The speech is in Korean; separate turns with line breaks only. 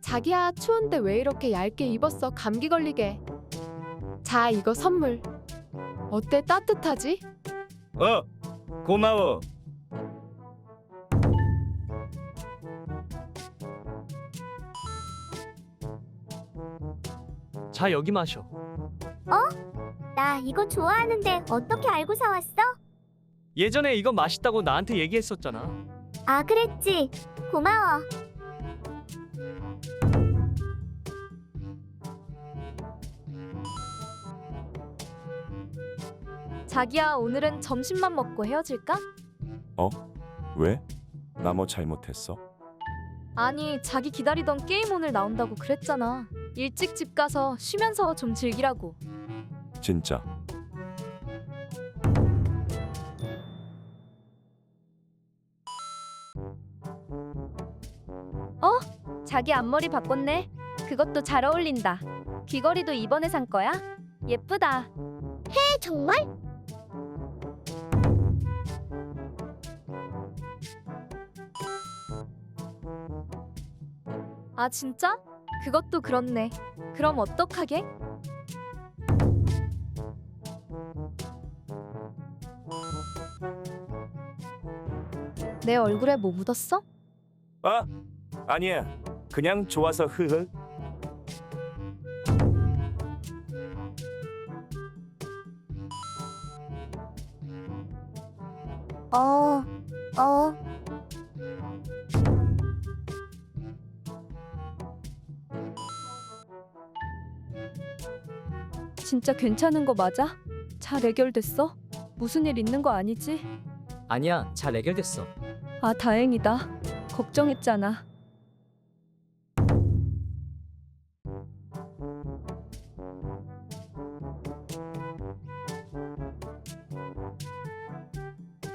자기야, 추운데 왜 이렇게 얇게 입었어? 감기 걸리게. 자, 이거 선물. 어때? 따뜻하지?
고마워.
자, 여기 마셔.
나 이거 좋아하는데 어떻게 알고 사왔어?
예전에 이거 맛있다고 나한테 얘기했었잖아.
아, 그랬지. 고마워.
자기야, 오늘은 점심만 먹고 헤어질까?
왜? 나 뭐 잘못했어?
아니, 자기 기다리던 게임 오늘 나온다고 그랬잖아. 일찍 집 가서 쉬면서 좀 즐기라고.
진짜?
자기 앞머리 바꿨네. 그것도 잘 어울린다. 귀걸이도 이번에 산 거야? 예쁘다.
정말?
아, 진짜? 그것도 그렇네. 그럼 어떡하게? 내 얼굴에 뭐 묻었어?
아니야. 그냥 좋아서 흐흐.
어.
진짜 괜찮은 거 맞아? 잘 해결됐어? 무슨 일 있는 거 아니지?
아니야, 잘 해결됐어.
아, 다행이다. 걱정했잖아.